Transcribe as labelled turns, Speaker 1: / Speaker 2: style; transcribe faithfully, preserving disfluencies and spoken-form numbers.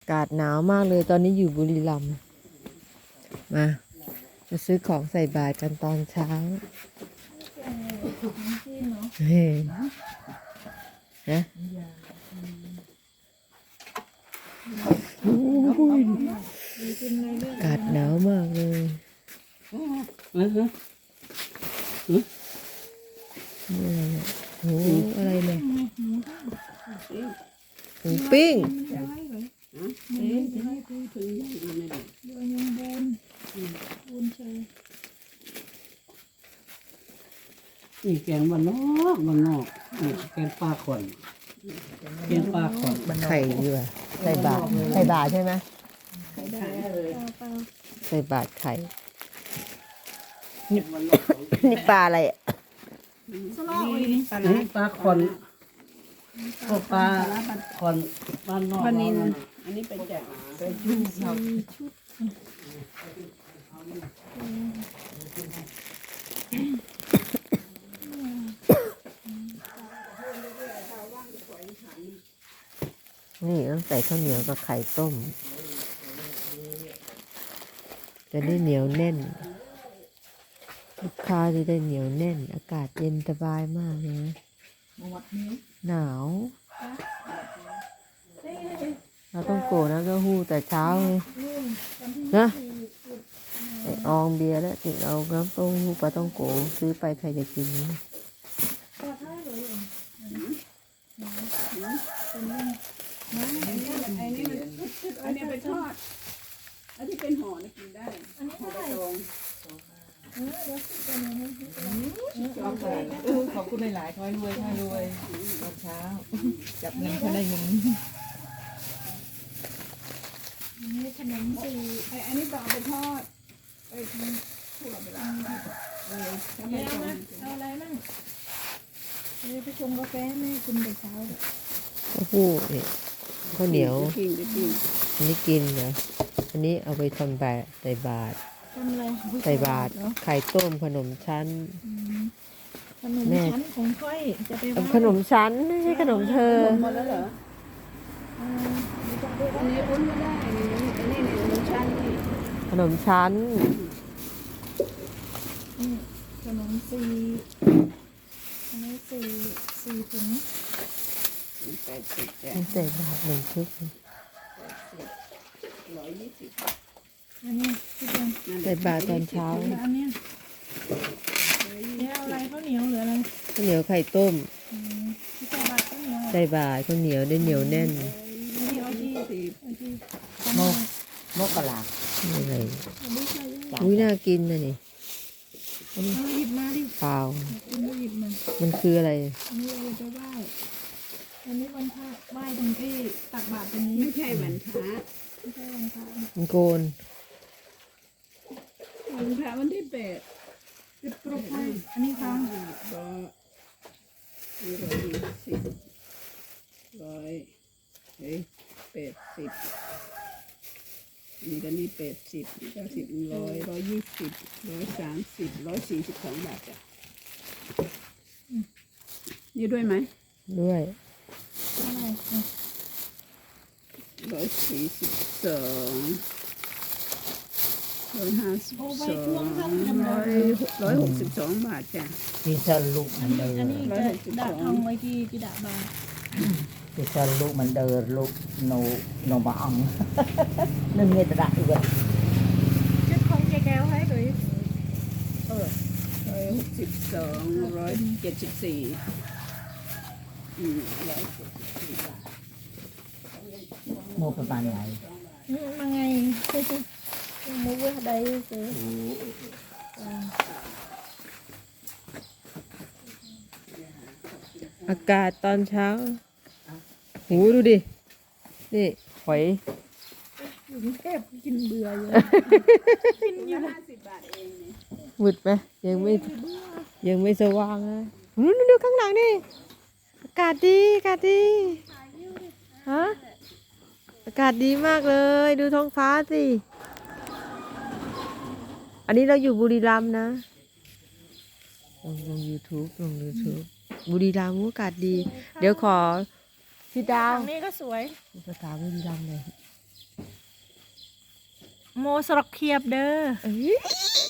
Speaker 1: ากาศหนาวมากเลยตอนนี้อยู่บุรีรัมย์มามาซื้อของใส่บาตรกันตอนเช้าเฮ้ยนะอากาศหนาวมากเลยโอ้อะไรเนี่ยหมูปิ้ง
Speaker 2: นี่แกงบ้านนอกบ้านนอกนี่แกงปลาขอนแกงปลาขอน
Speaker 1: ไข่ดีกว่าใส่บาตรใส่บาตรใช่ไหมใส่บาตรไข่นี่นี่ปลาอะไรอ่ะ
Speaker 2: นี่ปลาขอนก็ปลาขอนบ้านนอก
Speaker 3: ปลานิลอันนี้เป็นแจกไปชุดชุด
Speaker 1: นี่ต้องใส่ข้าวเหนียวกับไข่ต้มจะได้เหนียวแน่นลูกค้าจะได้เหนียวแน่นอากาศเย็นสบายมากเลยนะหนาวเราต้องโกนะก็หู้แต่เช้าเลยนะไออองเบียร์แล้วติดเอาน้ำเต้มหู้ปลาต้องโกซื้อไปใครจะกิน
Speaker 3: อันนี้เป็นทอดอันที่เป็นห่อนี่กินได้ห่อใบตองขอบคุณหลายๆค่อยรวยค่อยรวยตอนเช้าจับเงินเขาได้เงินนี่ขนมสีไออันนี้ต่อไปทอดไปถั่วไปล้างเลยทำไมตองเอาอะไรมั่งเดี๋ยวไปชงกาแฟแม่กินแต่เช้า
Speaker 1: ข้าวหู้นี่ข้าวเหนียว
Speaker 3: กินกิน
Speaker 1: อันนี้กินเหรออันนี้เอาไปทำแบบใส่บาตร
Speaker 3: ทำอะไร
Speaker 1: ใส่บาตรไข่ต้มขนมชั้น
Speaker 3: ขนมชั้นของค่อยจะไป
Speaker 1: ขนมชั้นไม่ใช่ขนมเธอ
Speaker 3: หมดแล้วเหรออันนี้อุ้นไม่ได้อันนี้อันนี้ขนมชั้นนี่
Speaker 1: ขนมชั้น
Speaker 3: ขนมสี่อันนี้สี่สี่ถุงแปดสิบแปด
Speaker 1: มันใส่บาตรหนึ่งชุด
Speaker 3: ร้อยยี่สิบอันนี้ที่เป็น
Speaker 1: ใส่บาตรตอนเช้า
Speaker 3: อันนี้เนี่ยอะไรข้าวเหนียวหรืออะไร
Speaker 1: ข้าวเหนียวไข่ต้ม
Speaker 3: ที่ใส่บาตรข้าวเหนียว
Speaker 1: ใส่บาตรข้าวเหนียวได้เหนียวแน่น
Speaker 3: อันนี้เอาที่เอาที่
Speaker 2: โมโมกะลา
Speaker 1: นี่อะไร
Speaker 3: อันนี้ใส่ยัง
Speaker 1: อุ้ยน่ากินนะนี่
Speaker 3: เอาหยิบมาดิ
Speaker 1: เปล่า
Speaker 3: กินไม่หยิบมา
Speaker 1: มันคืออะไร
Speaker 3: อันนี้เราจะไหว้อันนี้วันพระไหว้ตรงที่ตักบาตรตรงนี้ไม่ใช่วันพระไม่ใช่วันพระ
Speaker 1: มันโกน
Speaker 3: วันพระวันที่แปดสิบกรุ๊ปให้อันนี้ค่ะร้อยร้อยยี่สิบร้อยเฮ้ยแปดสิบนี่ก็นี่แปดสิบเก้าสิบร้อยร้อยยี่สิบร้อยสามสิบร้อยสี่สิบสองบาทจ้ะนี่ด้วยไหม
Speaker 1: ด้วย
Speaker 3: ร้อยสี่สิบสองร้อยห้าสิบสองร้อยร้อยหกสิบสองบาทจ้ะ
Speaker 2: พิซาลูกมันเดิ
Speaker 4: อัน
Speaker 2: น
Speaker 4: นี้จะดักทองไว้ที่จิดาบา
Speaker 2: พิซาลูกมันเดินลูกโนโนบะอังนึ่งเงี้ยตระอีกแล้ว
Speaker 4: ชุดของเจ๊แก้วให้เลย
Speaker 3: เออร้อยหกสิบสองร้อยเจ็ดสิบสี่อืมร้อยเจ็ดสิบสี่บาท
Speaker 2: โมประมาณไหน
Speaker 4: มาไงมูเวอร์ใดเจอ
Speaker 1: อากาศตอนเช้าหูดูดินี่หอย
Speaker 4: อยู่กรุงเทพกินเบื่ออยู่
Speaker 3: ห้าสิบบาทเองเนี่ย
Speaker 1: มืดไหมยังไม่ยังไม่สว่างนะนู่นดูข้างหลังนี่อากาศดีอากาศดีฮะอากาศดีมากเลยดูท้องฟ้าสิอันนี้เราอยู่บุรีรัมย์นะลงลงยูทูบลงยูทูบบุรีรัมย์อากาศดี เดี๋ยวขอพี่ดาว
Speaker 4: ทางนี้ก็สวย
Speaker 1: ภาษาบุรีรัมย์เลย
Speaker 4: โมสรกเคียบเด้อ
Speaker 1: เอ้ย